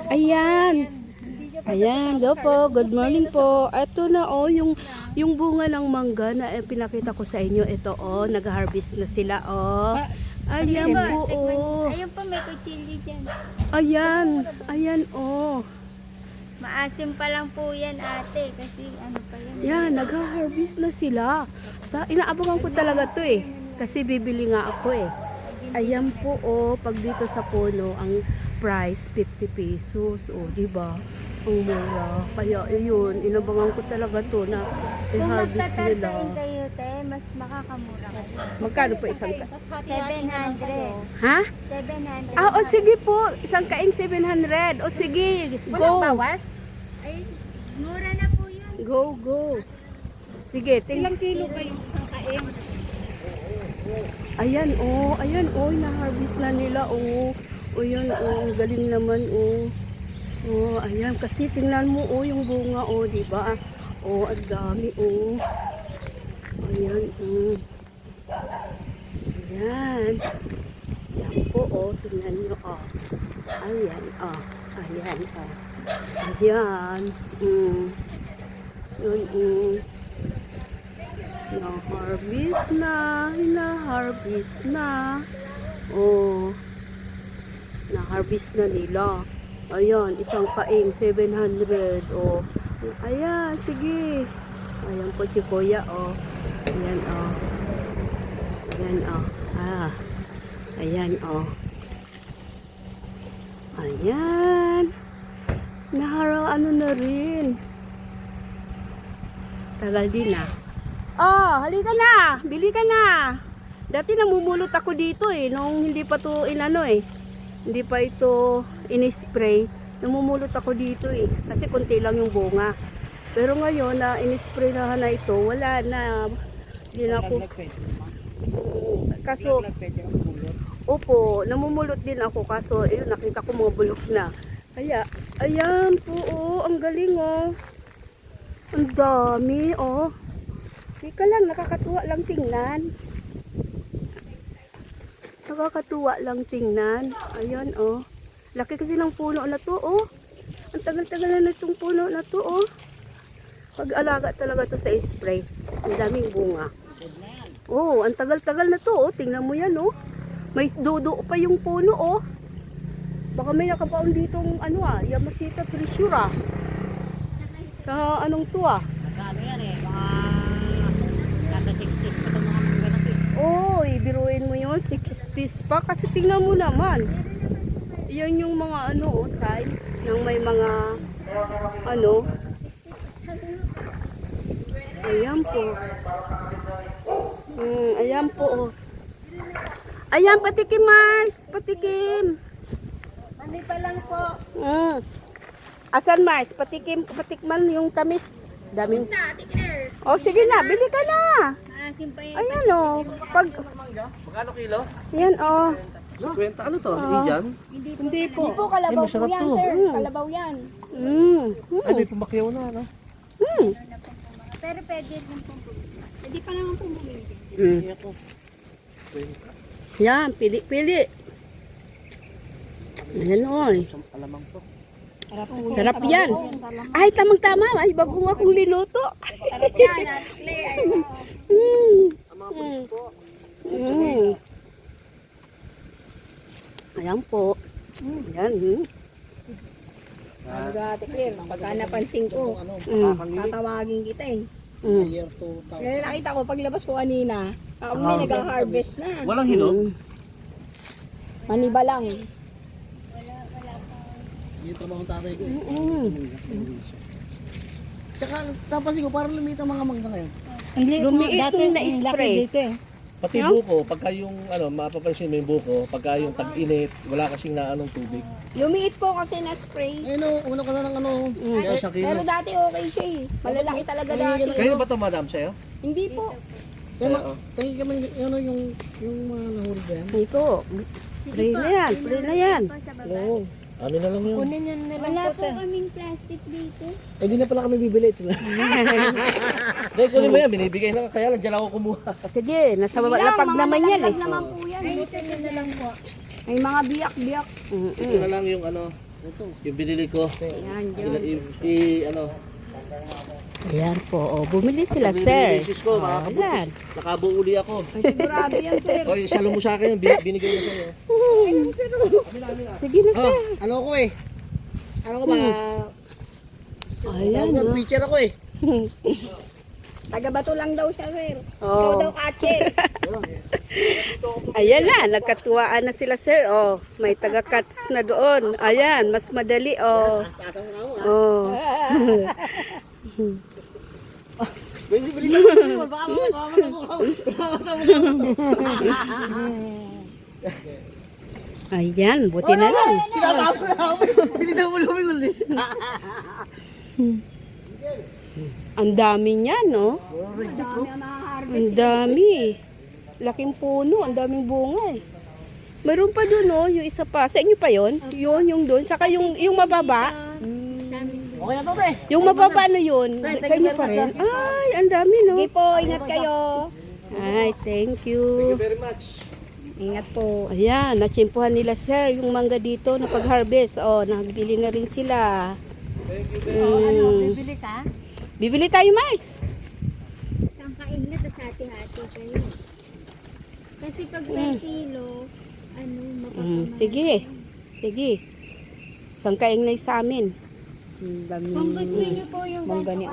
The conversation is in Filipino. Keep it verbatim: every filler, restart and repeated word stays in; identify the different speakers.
Speaker 1: Ayan. Ayan, go po. Good morning po. Ito na oh, yung yung bunga ng mangga na eh, pinakita ko sa inyo. Ito oh, nag-harvest na sila oh. Ayan po oh.
Speaker 2: Ayun po, may kuchili dyan.
Speaker 1: Ayan, ayan oh.
Speaker 2: Maasim pa lang po yan, ate. Kasi ano pa yan.
Speaker 1: Yan, nag-harvest na sila. Ta inaabangan ko talaga to eh. Kasi bibili nga ako eh. Ayan po oh, pag dito sa puno, ang price fifty pesos. Oh, di ba? Ang mura. Kaya yun, inabangan ko talaga to na
Speaker 2: Kung
Speaker 1: i-harvest nila.
Speaker 2: magtatantain kayo, te, mas makakamura kayo.
Speaker 1: Magkano po isang ka?
Speaker 2: seven hundred.
Speaker 1: Ha?
Speaker 2: seven hundred.
Speaker 1: Ah, o sige po. Isang kaing seven hundred. O sige, go.
Speaker 2: Ay, mura na po yun.
Speaker 1: Go, go. Sige, tingnan.
Speaker 2: Ilang kilo kayo isang kain?
Speaker 1: Ayan, oh. Ayan, oh. Na-harvest na nila, oh. O yun, oh. Galing naman, oh. Oh, ayan. Kasi tingnan mo, oh, yung bunga, oh. Diba? Oh, ang dami, oh. Ayan, oh. Ayan. Ayan po, oh. Tingnan nyo, oh. Ayan, oh. Ayan, oh. Ayan. Mm. Yun, mm. Na-harvest na. Na-harvest na. Oh. Na-harvest na nila. Ayan, isang paing, seven hundred. Oh. Ayan, sige. Ayan po si Kuya, oh. Ayan, oh. Ayan, oh. Ah. Ayan, oh. Ayan. Naharaw, ano na rin. Tagal din, ah. Oh, halika na. Bili ka na. Dati namumulot ako dito, eh. Nung hindi pa to inano, eh. Hindi pa ito in-spray. Namumulot ako dito eh. Kasi konti lang yung bunga. Pero ngayon na in-spray na na ito, wala na. Hindi na ako. Kaso, opo, namumulot din ako. Kaso, ayun, nakita ko mga bulok na. Kaya, ayan po, oh, ang galing oh. Ang dami, oh. Teka lang, nakakatuwa lang tingnan. Nakakatuwa lang tingnan. Ayan, oh. Laki kasi ng puno na to, oh. Ang tagal-tagal na itong puno na to, oh. Pag-alaga talaga to sa spray. Ang daming bunga. Oh, ang tagal-tagal na to, oh. Tingnan mo yan, oh. May dudo pa yung puno, oh. Baka may nakapaon ditong, ano ah, Yamashita Trisura. Sa anong to, ah.
Speaker 3: Ano yan eh, mga nasa sixties pa itong mga mangga na to eh.
Speaker 1: Oh, ibiruin mo yun, sixties pa. Kasi tingnan mo naman. Yan yung mga ano, oh, side. Nang may mga, ano. Ayan po. Mm, ayan po, oh. Ayan, patikim, Mars. Patikim.
Speaker 2: Mani pa lang po.
Speaker 1: Mm. Asan, Mars? Patikim, patikman yung tamis. Daming.
Speaker 2: Ate Claire.
Speaker 1: Oh, sige na, bili ka na.
Speaker 2: Maasim pa yan.
Speaker 1: Ayan, oh. Pag,
Speaker 4: Magkano kilo?
Speaker 1: ayan, oh.
Speaker 4: Kwenta ano to?
Speaker 1: Ah.
Speaker 4: Indian?
Speaker 1: Hindi po.
Speaker 2: Hindi po, kalabaw
Speaker 4: Ay, masarap
Speaker 2: po yan,
Speaker 4: to.
Speaker 2: sir.
Speaker 1: Mm.
Speaker 2: Kalabaw yan.
Speaker 1: Mm.
Speaker 4: Ay, may pumakyaw na, no?
Speaker 1: Mm.
Speaker 2: Pero pwede din po po. Hindi pa naman po bumili.
Speaker 1: Mm.
Speaker 4: Hindi ako. Kwenta.
Speaker 1: Yan, pili, pili. Ayan, oy.
Speaker 4: Alamang to.
Speaker 1: Sarap yan. Ay, tamang-tama. Ay, bagong akong linuto.
Speaker 2: Sarap yan, Ate Claire. Ay,
Speaker 1: Mm.
Speaker 4: Ang mga pulis po.
Speaker 1: Mm. Ayan po. Ayan. Mm.
Speaker 2: Ano ba, Ate Claire? Pagka napansin ko,
Speaker 4: Ano,
Speaker 1: Mm.
Speaker 4: makakangili.
Speaker 2: tatawagin kita eh.
Speaker 1: Mm.
Speaker 4: Year two thousand.
Speaker 2: Kaya nakita ko paglabas ko kanina, ako may nag-harvest na.
Speaker 4: Walang hilo?
Speaker 1: Mm.
Speaker 2: Maniba lang.
Speaker 4: Yung trabaho ng tatay ko.
Speaker 1: Mm.
Speaker 4: Tsaka, napansin ko, parang lumita ang mga mangga ngayon.
Speaker 1: Lumiit yung na-spray.
Speaker 2: eh.
Speaker 4: Pati
Speaker 1: Yeah?
Speaker 4: buko, pagka yung, ano, mapapansin mo yung buko, pagka yung tag-init, wala kasing na anong tubig.
Speaker 2: Lumiit po kasi na-spray.
Speaker 4: Eh no, umano ka na ng ano, kaya siya kilo.
Speaker 2: Pero dati okay siya eh. Malalaki talaga dati.
Speaker 4: Kayo ba ito, madam, sa'yo?
Speaker 2: Hindi po.
Speaker 4: Kaya, ma- kaya kami, ano, yung, yung mga nahuli ba yan?
Speaker 1: Ito. Free na yan. Free na yan.
Speaker 4: Oo. Amin na lang yun.
Speaker 2: Kunin yun na lang po sir. Wala po kaming plastic dito.
Speaker 4: Eh, di na pala kami bibili ito. Dahil kunin mo yan, binibigay na. Kaya lang, dyan ako kumuha.
Speaker 1: Sige, nasa baba lapag naman yan eh.
Speaker 2: naman po yan. Butin nyo na lang po.
Speaker 1: May mga biyak-biyak.
Speaker 4: Ito na lang yung ano, Yung binili ko.
Speaker 3: Yan,
Speaker 4: Sila, i, i, ano.
Speaker 1: Ayan po, oh, bumili sila,
Speaker 4: Binili
Speaker 1: sir.
Speaker 4: yung sis ko, mga
Speaker 1: Oh, ayan.
Speaker 4: kabukos. Nakabuo uli ako.
Speaker 3: sigurado yan, sir.
Speaker 4: O, yung salo mo sa akin, bin- binigay mo sa'yo.
Speaker 1: Sige na, sir.
Speaker 4: Ano ko eh? Ano ko ba?
Speaker 1: Ayan, oh.
Speaker 4: Teacher ako eh.
Speaker 3: Taga-bato lang daw siya, sir.
Speaker 1: Oh.
Speaker 3: Daw catcher.
Speaker 1: Ayan na, nagkatuwaan na sila, sir. Oh, may taga-cuts na doon. Ayan, mas madali, oh. Oh.
Speaker 4: Bili, bili ka, bili. Baka mo, baka mo, baka mo.
Speaker 1: Ayan, buti na lang.
Speaker 4: Tinatawag ko na ako. Bili na mo luming ulit.
Speaker 1: Ang dami niyan, no? Ang dami. Laking puno, ang daming bunga eh. Meron pa doon, no? Yung isa pa. Sa inyo pa yon? Yun, yung doon. Saka yung, yung mababa.
Speaker 4: Okay na to, te.
Speaker 1: Yung mababa na yun. Sa inyo pa rin. Ay, ang dami, no?
Speaker 3: Sige po, ingat kayo.
Speaker 1: Ay, thank
Speaker 4: Thank
Speaker 1: you.
Speaker 4: you very much.
Speaker 3: Ingat po.
Speaker 1: Ayan, natsimpuhan nila, sir, yung mangga dito na pag-harvest. Oh, nagbili na rin sila. Mm.
Speaker 3: Bibili ka?
Speaker 1: Bibili tayo, Mars.
Speaker 2: Isang kainit at hati-hati kayo. Kasi pag may kilo, ano,
Speaker 1: Mm,
Speaker 2: mapapamahal.
Speaker 1: sige. Sige. Sangkaing na sa amin. Ang dami.
Speaker 2: Kung gusto niyo po yung
Speaker 1: Mangga ni